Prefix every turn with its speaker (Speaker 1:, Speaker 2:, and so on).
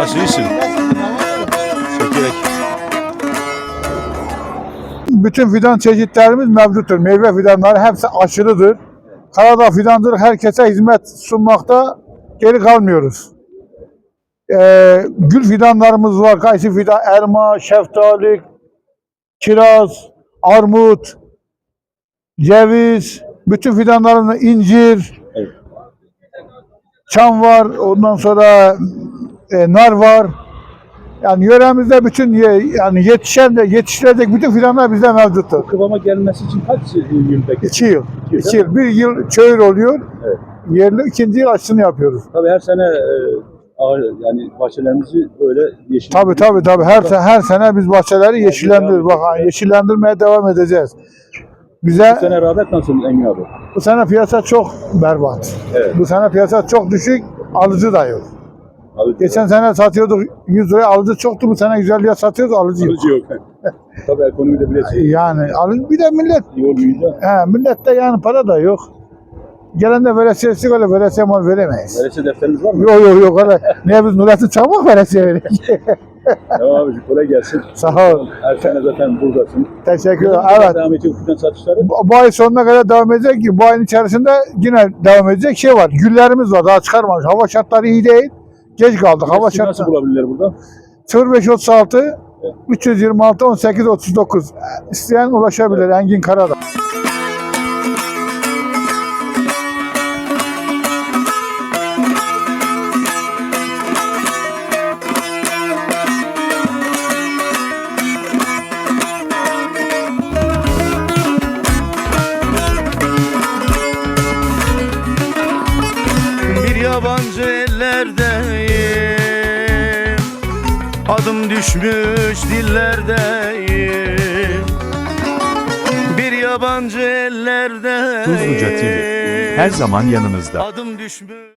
Speaker 1: Nasıl iyisin? Çekerek.
Speaker 2: Bütün fidan çeşitlerimiz mevcuttur. Meyve fidanları hepsi aşılıdır. Karadağ fidancılık herkese hizmet sunmakta geri kalmıyoruz. Gül fidanlarımız var. Kayısı fidan, elma, şeftali, kiraz, armut, ceviz, bütün fidanlarımız incir,
Speaker 1: Evet.
Speaker 2: çam var, ondan sonra nar var. Yani yöremizde bütün yani yetiştirecek bütün fidanlar bizde mevcuttur.
Speaker 1: Kıvama gelmesi için kaç yıl bekliyor?
Speaker 2: 2 yıl.
Speaker 1: 2
Speaker 2: 2 yıl. Bir yıl çöğür oluyor.
Speaker 1: Evet.
Speaker 2: Yerli ikinci yıl aşısını yapıyoruz.
Speaker 1: Tabii her sene yani bahçelerimizi böyle yeşil.
Speaker 2: Tabii. Her sene biz bahçeleri yeşillendiriyoruz. Bak yeşillendirmeye devam edeceğiz. Bize
Speaker 1: Bu sene rağbet nasıl Engin abi?
Speaker 2: bu sene piyasa çok berbat.
Speaker 1: Evet.
Speaker 2: Bu sene piyasa çok düşük, alıcı da yok.
Speaker 1: Abi,
Speaker 2: Geçen sene satıyorduk 100 liraya, alıcı çoktu. Bu sene 150 liraya satıyoruz, alıcı yok.
Speaker 1: alıcı yok. Tabii ekonomide biliyorsun.
Speaker 2: Yani bir de millet,
Speaker 1: İyi olmayınca.
Speaker 2: millette yani para da yok. Gelen de veresiyesi öyle veresiye mal veremeyiz.
Speaker 1: Veresi defteriniz var mı?
Speaker 2: Yok öyle. Niye biz Nurettin Çakmak veresiye verelim?
Speaker 1: Tamam abiciğim kolay gelsin.
Speaker 2: Sağ ol.
Speaker 1: Her sene zaten buradasın.
Speaker 2: Teşekkür ederim.
Speaker 1: Ne zaman
Speaker 2: Evet.
Speaker 1: devam edecek fidan satışları?
Speaker 2: Bu ay sonuna kadar devam edecek ki bu ayın içerisinde yine devam edecek şey var. Güllerimiz var, daha çıkarmamış. Hava şartları iyi değil. Geç kaldık. Hava
Speaker 1: Sizi nasıl
Speaker 2: şartları.
Speaker 1: bulabilirler burada?
Speaker 2: 0536 326 18 39. İsteyen ulaşabilir. Engin Karadağ.
Speaker 3: Bir yabancı ellerdeyim, adım düşmüş dillerdeyim. Bir yabancı ellerdeyim,
Speaker 4: Tuzluca TV, her zaman yanınızda.
Speaker 3: adım düşmüş.